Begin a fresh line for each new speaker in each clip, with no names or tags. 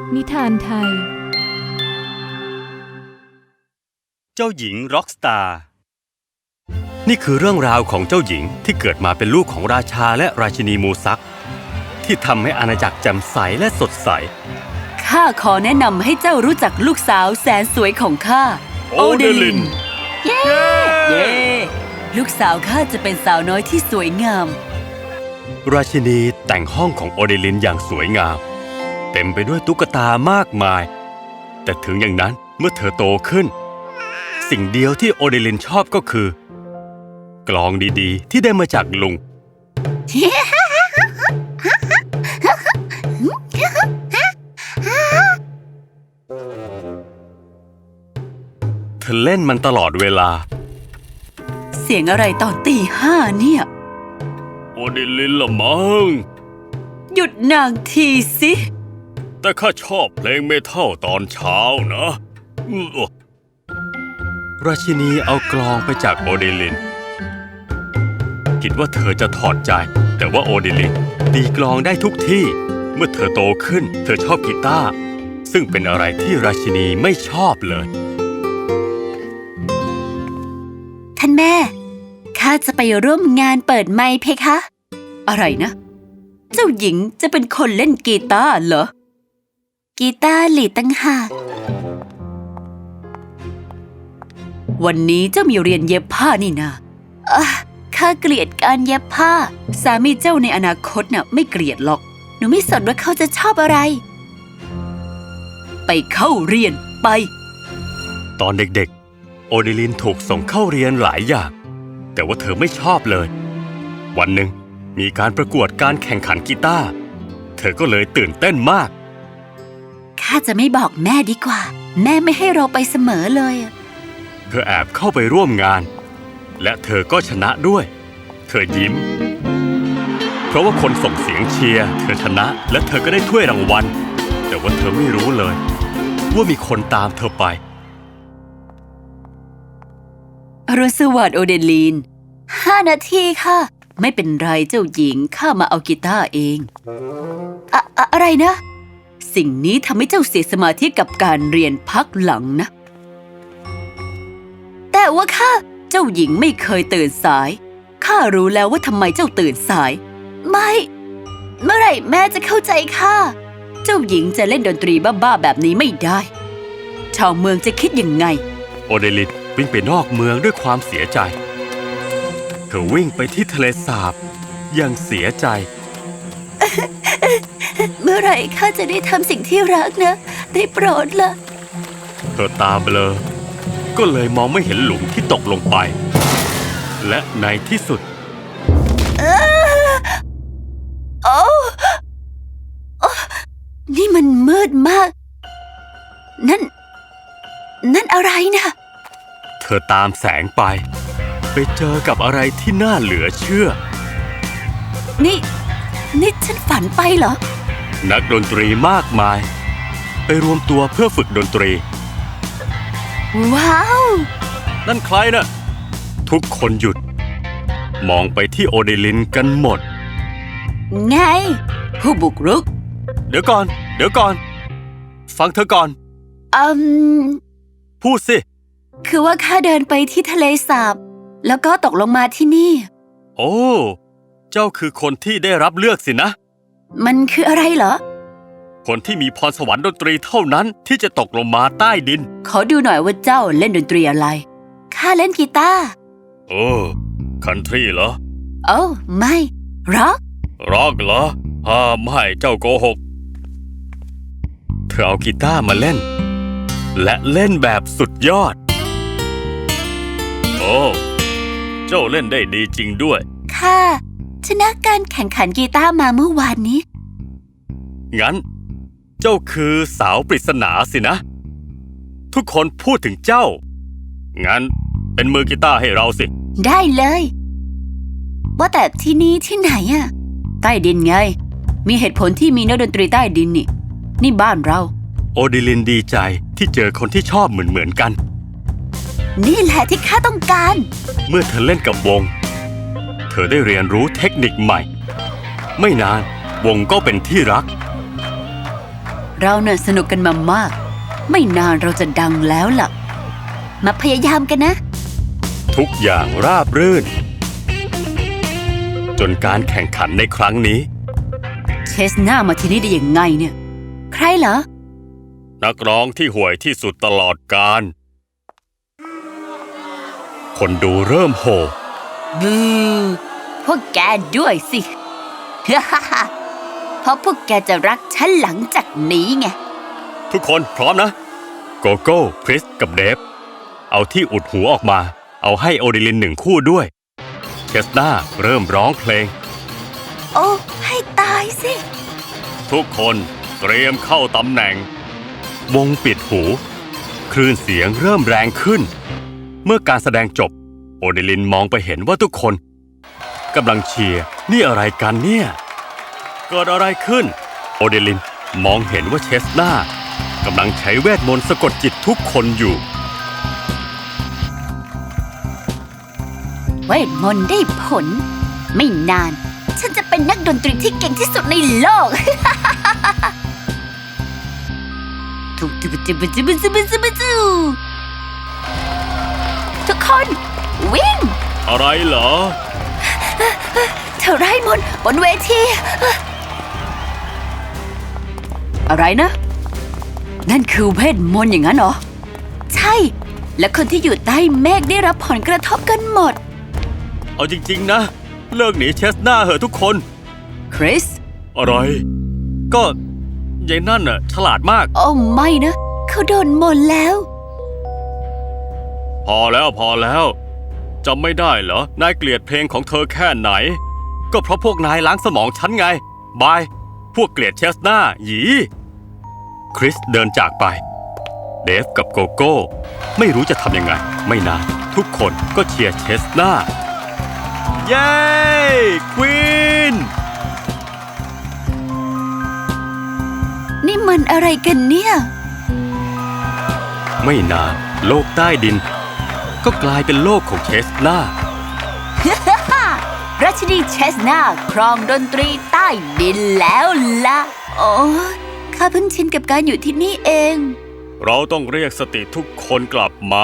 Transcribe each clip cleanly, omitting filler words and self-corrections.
นิทานไทย
เจ้าหญิงร็อกสตาร์นี่คือเรื่องราวของเจ้าหญิงที่เกิดมาเป็นลูกของราชาและราชินีมูซักที่ทำให้อาณาจักรแจ่มใสและสดใส
ข้าขอแนะนำให้เจ้ารู้จักลูกสาวแสนสวยของข้าโอเดลินเย้ลูกสาวข้าจะเป็นสาวน้อยที่สวยงาม
ราชินีแต่งห้องของโอเดลินอย่างสวยงามเต็มไปด้วยตุ๊กตามากมายแต่ถึงอย่างนั้นเมื่อเธอโตขึ้นสิ่งเดียวที่โอเดลินชอบก็คือกลองดีๆที่ได้มาจากลุงเธอเล่นมันตลอดเวลา
เสียงอะไรตอนตี 5เนี่ย
โอเดลินละมั้ง
หยุดนางทีสิ
แต่ข้าชอบเพลงเมทัลตอนเช้านะราชินีเอากลองไปจากโอเดลินคิดว่าเธอจะถอดใจแต่ว่าโอเดลินตีกลองได้ทุกที่เมื่อเธอโตขึ้นเธอชอบกีตาร์ซึ่งเป็นอะไรที่ราชินีไม่ชอบเลย
ท่านแม่ข้าจะไปร่วมงานเปิดไมค์เพคะอะไรนะเจ้าหญิงจะเป็นคนเล่นกีตาร์เหรอกีตาร์ลีดตั้งหากวันนี้เจ้ามีเรียนเย็บผ้านี่นาข้าเกลียดการเย็บผ้าสามีเจ้าในอนาคตน่ะไม่เกลียดหรอกหนูไม่สนว่าเขาจะชอบอะไรไปเข้าเรียนไป
ตอนเด็กๆโอเดลินถูกส่งเข้าเรียนหลายอย่างแต่ว่าเธอไม่ชอบเลยวันหนึ่งมีการประกวดการแข่งขันกีตาร์เธอก็เลยตื่นเต้นมาก
ข้าจะไม่บอกแม่ดีกว่าแม่ไม่ให้เราไปเสมอเลย
เธอแอบเข้าไปร่วมงานและเธอก็ชนะด้วยเธอยิ้มเพราะว่าคนส่งเสียงเชียร์เธอชนะและเธอก็ได้ถ้วยรางวัลแต่ว่าเธอไม่รู้เลยว่ามีคนตามเธอไป
อรุณสวัสดิ์โอเดลีน5 นาทีค่ะไม่เป็นไรเจ้าหญิงข้ามาเอากีตาร์เองอะไรนะสิ่งนี้ทำให้เจ้าเสียสมาธิกับการเรียนพักหลังนะแต่ว่าเจ้าหญิงไม่เคยตื่นสายข้ารู้แล้วว่าทำไมเจ้าตื่นสายไม่เมื่อไหร่แม่จะเข้าใจข้าเจ้าหญิงจะเล่นดนตรีบ้าๆแบบนี้ไม่ได้ชาวเมืองจะคิดยังไง
โอเดลินวิ่งไปนอกเมืองด้วยความเสียใจเธอวิ่งไปที่ทะเลสาบอย่างเสียใจ
เมื่อไหร่ข้าจะได้ทำสิ่งที่รักนะได้โปรดล่ะ
เธอตาเบลอก็เลยมองไม่เห็นหลุมที่ตกลงไปและในที่สุด
นี่มันมืดมากนั่นอะไรนะ
เธอตามแสงไปเจอกับอะไรที่น่าเหลือเชื่อ
นี่ฉันฝันไปเหรอ
นักดนตรีมากมายไปรวมตัวเพื่อฝึกดนตรี
ว้าว
นั่นใครน่ะทุกคนหยุดมองไปที่โอเดลินกันหมด
ไงผู้บุกรุก
เดี๋ยวก่อนฟังเธอก่อนพูดสิ
คือว่าข้าเดินไปที่ทะเลสาบแล้วก็ตกลงมาที่นี่
โอ้เจ้าคือคนที่ได้รับเลือกสินะ
มันคืออะไรเหรอ
คนที่มีพรสวรรค์ดนตรีเท่านั้นที่จะตกลงมาใต้ดิน
ขอดูหน่อยว่าเจ้าเล่นดนตรีอะไรข้าเล่นกีตาร์
คันทรีเหรอ
ไม่ร็
อกเหรอไม่เจ้าโกหกเธอเอากีตาร์มาเล่นและเล่นแบบสุดยอดเจ้าเล่นได้ดีจริงด้วย
ค่ะชนะการแข่งขันกีตาร์มาเมื่อวานนี้
งั้นเจ้าคือสาวปริศนาสินะทุกคนพูดถึงเจ้างั้นเป็นมือกีตาร์ให้เราสิ
ได้เลยว่าแต่ที่นี่ที่ไหนอะใต้ดินไงมีเหตุผลที่มีนักดนตรีใต้ดินนี่บ้านเรา
โอเดลินดีใจที่เจอคนที่ชอบเหมือนกัน
นี่แหละที่ข้าต้องการ
เมื่อเธอเล่นกับวงเธอได้เรียนรู้เทคนิคใหม่ไม่นานวงก็เป็นที่รัก
เราเน่ะสนุกกันมามาก ไม่นานเราจะดังแล้วล่ะ มาพยายามกันนะ
ทุกอย่างราบรื่น จนการแข่งขันในครั้งนี้
เชสนามาที่นี่ได้ยังไงเนี่ย ใครเหรอ
นักร้องที่ห่วยที่สุดตลอดกาลคนดูเริ่มโห่
บูพวกแกด้วยสิ เพราะพวกแกจะรักฉันหลังจากนี้ไง
ทุกคนพร้อมนะ โกโก้ คริส กับเดฟ เอาที่อุดหูออกมา เอาให้โอดิลิน1 คู่ด้วยเชสนาเริ่มร้องเพลง
โอ้ ให้ตายสิ
ทุกคนเตรียมเข้าตำแหน่ง วงปิดหู คลื่นเสียงเริ่มแรงขึ้น เมื่อการแสดงจบ โอดิลินมองไปเห็นว่าทุกคนกำลังเชียร์นี่อะไรกันเนี่ยเกิดอะไรขึ้น โอดิลินมองเห็นว่าเชสนากำลังใช้เวทมนต์สะกดจิตทุกคนอยู่
เวทมนต์ได้ผล ไม่นาน ฉันจะเป็นนักดนตรีที่เก่งที่สุดในโลก ทุกคนวิ่ง
อะไรเหรอ
เธอไร้มนต์บนเวที อะไรนะ นั่นคือเวทมนต์อย่างนั้นเหรอ ใช่ และคนที่อยู่ใต้เมฆได้รับผลกระทบกันหมด
เอาจริงๆนะ เลิกหนีเชสนาเหอะทุกคน
คริส
อะไร ก็ยายนั่นน่ะฉลาดมาก
โอ้ไม่นะ เขาโดนมนต์แล้ว
พอแล้วจำไม่ได้เหรอนายเกลียดเพลงของเธอแค่ไหน ก็เพราะพวกนายล้างสมองฉันไง บาย พวกเกลียดเชสนาหยีคริสเดินจากไป เดฟกับโกโก้ไม่รู้จะทำยังไง ไม่นานทุกคนก็เชียร์เชสนาเย้ควีน
นี่มันอะไรกันเนี่ย
ไม่นานโลกใต้ดิน ก็กลายเป็นโลกของเชสนา
ราชินีเชสนาครองดนตรีใต้ดินแล้วล่ะ โอ้ข้าเพิ่งชินกับการอยู่ที่นี่เอง
เราต้องเรียกสติทุกคนกลับมา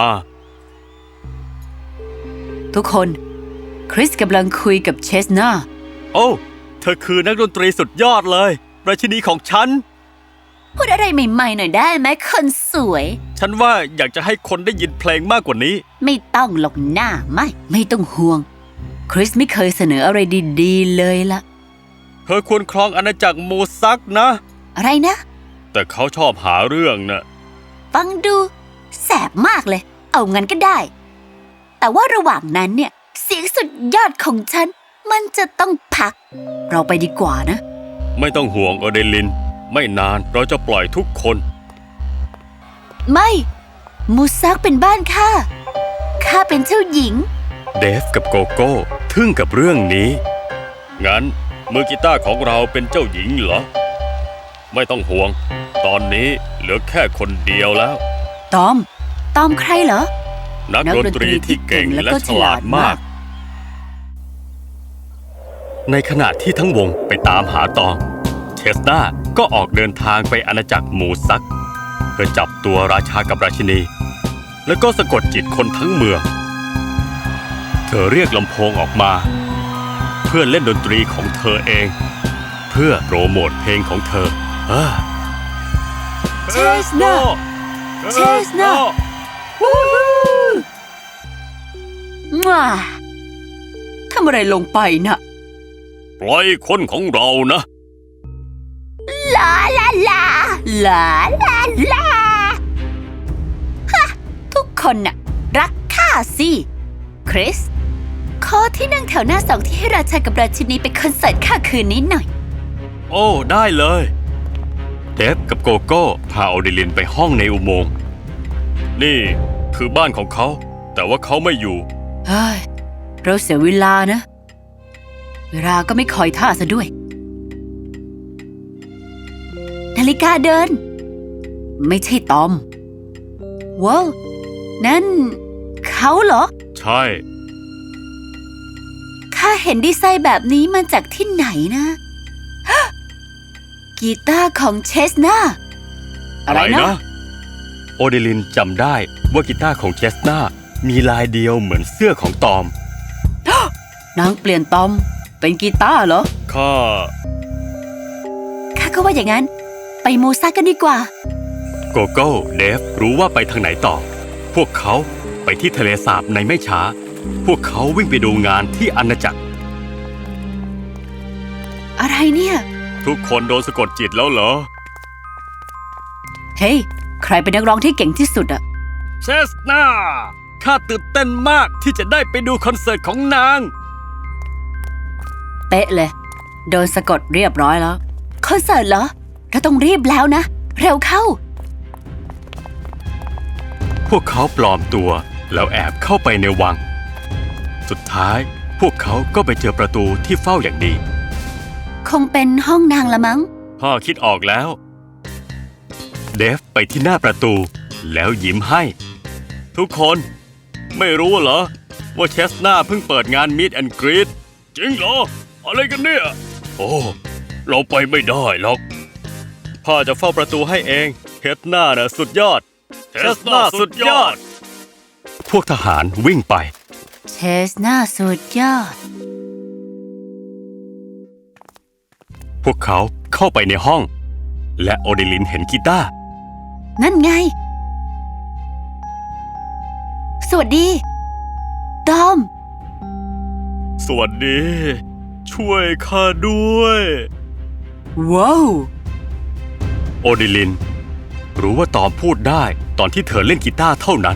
ทุกคน คริสกำลังคุยกับเชสนา
โอ้เธอคือนักดนตรีสุดยอดเลย ราชินีของฉัน
พูดอะไรใหม่ๆหน่อยได้ไหมคนสวย
ฉันว่าอยากจะให้คนได้ยินเพลงมากกว่านี้
ไม่ต้องหลอกหน้าไม่ต้องห่วง คริสไม่เคยเสนออะไรดีๆเลยล่ะ
เธอควรครองอาณาจักรมูซักนะ
อะไรนะ
แต่เขาชอบหาเรื่องนะ
ฟังดูแสบมากเลย เอางั้นก็ได้ แต่ว่าระหว่างนั้นเนี่ย เสียงสุดยอดของฉัน มันจะต้องพัก เราไปดีกว่านะ
ไม่ต้องห่วงโอเดลิน ไม่นานเราจะปล่อยทุกคน
ไม่มูซักเป็นบ้านข้าเป็นเจ้าหญิง
เดฟกับโกโก้ทึ่งกับเรื่องนี้ งั้นมือกีตาร์ของเราเป็นเจ้าหญิงเหรอ ไม่ต้องห่วง ตอนนี้เหลือแค่คนเดียวแล้ว
ตอมใครเหรอ
นักดนตรีที่เก่งและฉลาดมาก ในขณะที่ทั้งวงไปตามหาตอม เชสนาก็ออกเดินทางไปอาณาจักรมูซัก เพื่อจับตัวราชากับราชินี แล้วก็สะกดจิตคนทั้งเมือง เธอเรียกลำโพงออกมา เพื่อเล่นดนตรีของเธอเอง เพื่อโปรโมทเพลงของเธอ
เชสนา ว้าทำอะไรลงไปน่ะ
ปล่อยคนของเรานะ
ลาลาลาลาลาลาฮะทุกคนน่ะรักข้าสิคริสขอที่นั่งแถวหน้า2ที่ให้ราชากับราชินีไปคอนเสิร์ตข้าคืนนี้หน่อย
โอ้ได้เลยเดฟกับโกโก้พาโอดิลินไปห้องในอุโมงค์นี่คือบ้านของเขา แต่ว่าเขาไม่อยู่
เฮ้ย เราเสียเวลานะ เวลาก็ไม่คอยท่าซะด้วย นาฬิกาเดิน ไม่ใช่ตอม ว้าวนั่นเขาเหรอ
ใช่
ข้าเห็นดีไซน์แบบนี้มาจากที่ไหนนะ กีตาร์ของเชสนาอะไรนะ
โอเดลินจำได้ว่ากีตาร์ของเชสนามีลายเดียวเหมือนเสื้อของตอม
นางเปลี่ยนตอมเป็นกีตาร์เหรอ
ข้า
ข้าก็ว่าอย่างนั้น ไปมูซากันดีกว่า
โกโก้เดฟรู้ว่าไปทางไหนต่อ พวกเขาไปที่ทะเลสาบในไม่ช้า พวกเขาวิ่งไปดูงานที่อาณาจักร
อะไรเนี่ย
ทุกคนโดนสะกดจิตแล้วเหรอ
เฮ้ย ใครเป็นนักร้องที่เก่งที่สุดอะ
เชสนาข้าตื่นเต้นมากที่จะได้ไปดูคอนเสิร์ตของนาง
เป๊ะเลย โดนสะกดเรียบร้อยแล้ว คอนเสิร์ตเหรอ เราต้องรีบแล้วนะ เร็วเข้า
พวกเขาปลอมตัวแล้วแอบเข้าไปในวัง สุดท้ายพวกเขาก็ไปเจอประตูที่เฝ้าอย่างดี
คงเป็นห้องนางละมั้ง
พ่อคิดออกแล้ว เดฟไปที่หน้าประตูแล้วยิ้มให้ ทุกคนไม่รู้เหรอว่าเชสนาเพิ่งเปิดงาน Meet and Greet จริงเหรอ อะไรกันเนี่ย โอ้เราไปไม่ได้หรอกพ่อจะเฝ้าประตูให้เองเชสนาน่ะสุดยอดเชสนาสุดยอด พวกทหารวิ่งไป
เชสน่าสุดยอด
พวกเขาเข้าไปในห้อง และโอเดลินเห็นกีตาร์
นั่นไง สวัสดีตอม
สวัสดี ช่วยข้าด้วย
ว้าว
โอเดลิน รู้ว่าตอมพูดได้ตอนที่เธอเล่นกีตาร์เท่านั้น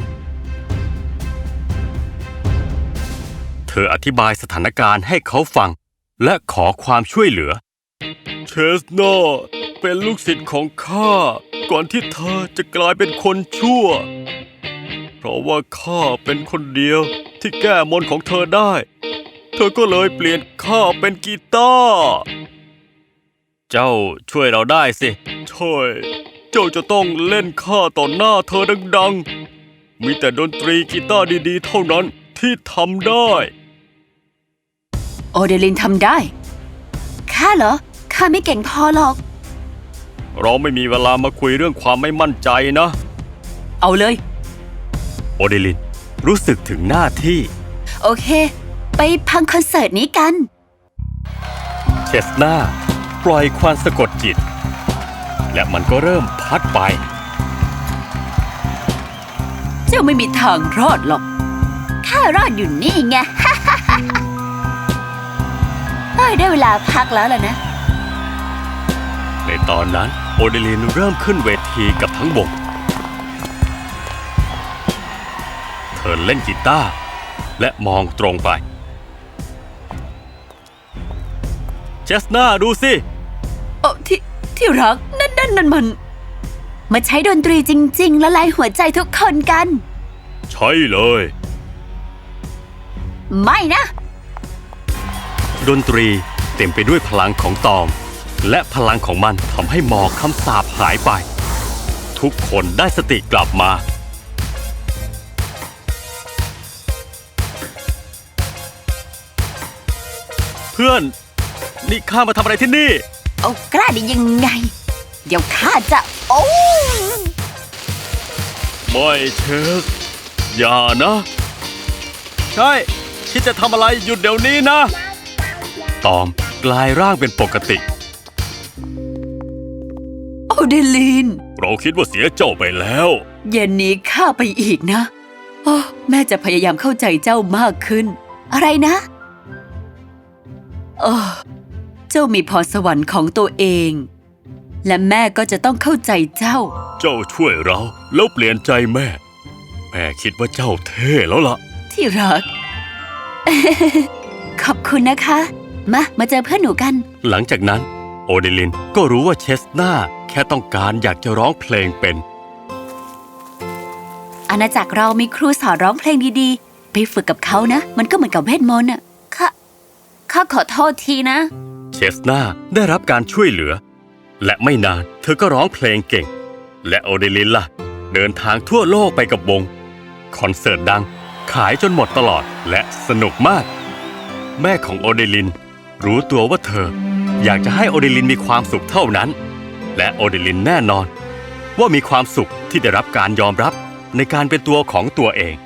เธออธิบายสถานการณ์ให้เขาฟัง และขอความช่วยเหลือ เชสนาเป็นลูกศิษย์ของข้าก่อนที่เธอจะกลายเป็นคนชั่ว เพราะว่าข้าเป็นคนเดียวที่แก้มนต์ของเธอได้ เธอก็เลยเปลี่ยนข้าเป็นกีตาร์ เจ้าช่วยเราได้สิใช่เจ้าจะต้องเล่นข้าต่อหน้าเธอดังๆ มีแต่ดนตรีกีตาร์ดีๆ เท่านั้นที่ทำได้
โอเดลินทำได้ ข้าเหรอ ข้าไม่เก่งพอหรอก
เราไม่มีเวลามาคุยเรื่องความไม่มั่นใจนะ
เอาเลย
โอเดลินรู้สึกถึงหน้าที่
โอเค ไปพังคอนเสิร์ตนี้กัน
เชสนาปล่อยควันสะกดจิต และมันก็เริ่มพัดไป
เจ้าไม่มีทางรอดหรอก ข้ารอดอยู่นี่ไง ได้เวลาพักแล้วล่ะนะ
ในตอนนั้นโอเดลินเริ่มขึ้นเวทีกับทั้งวง เธอเล่นกีตาร์และมองตรงไป เชสนาดูสิ
โอ้ที่รักนั่นมัน มาใช้ดนตรีจริงๆละลายหัวใจทุกคนกัน
ใช่เลย
ไม่นะ
ดนตรีเต็มไปด้วยพลังของตอม และพลังของมันทำให้หมอกคำสาปหายไป ทุกคนได้สติกลับมา เพื่อน นี่ข้ามาทำอะไรที่นี่
เอากล้าได้ยังไง เดี๋ยวข้าจะโอ้
ไม่เชส อย่านะ ใช่คิดจะทำอะไรหยุดเดี๋ยวนี้นะ ตอมกลายร่างเป็นปกติ
โอเดลิน
เราคิดว่าเสียเจ้าไปแล้ว
เย็นนี้ข้าไปอีกนะโอ้แม่จะพยายามเข้าใจเจ้ามากขึ้น อะไรนะเจ้ามีพรสวรรค์ของตัวเอง และแม่ก็จะต้องเข้าใจเจ้า
เจ้าช่วยเราแล้วเปลี่ยนใจแม่ แม่คิดว่าเจ้าเท่แล้วล่ะ
ที่รัก ขอบคุณนะคะ มาเจอเพื่อนหนูกัน
หลังจากนั้นโอเดลินก็รู้ว่าเชสนาแค่ต้องการอยากจะร้องเพลงเป็น
อาณาจักรเรามีครูสอนร้องเพลงดีๆ ไปฝึกกับเขานะ มันก็เหมือนกับเวทมนต์อ่ะข้าขอโทษทีนะ
เชสนาได้รับการช่วยเหลือ และไม่นานเธอก็ร้องเพลงเก่ง และโอเดลินล่ะ เดินทางทั่วโลกไปกับวง คอนเสิร์ตดัง ขายจนหมดตลอดและสนุกมาก แม่ของโอเดลินรู้ตัวว่าเธออยากจะให้โอเดลินมีความสุขเท่านั้น และโอเดลินแน่นอนว่ามีความสุขที่ได้รับการยอมรับในการเป็นตัวของตัวเอง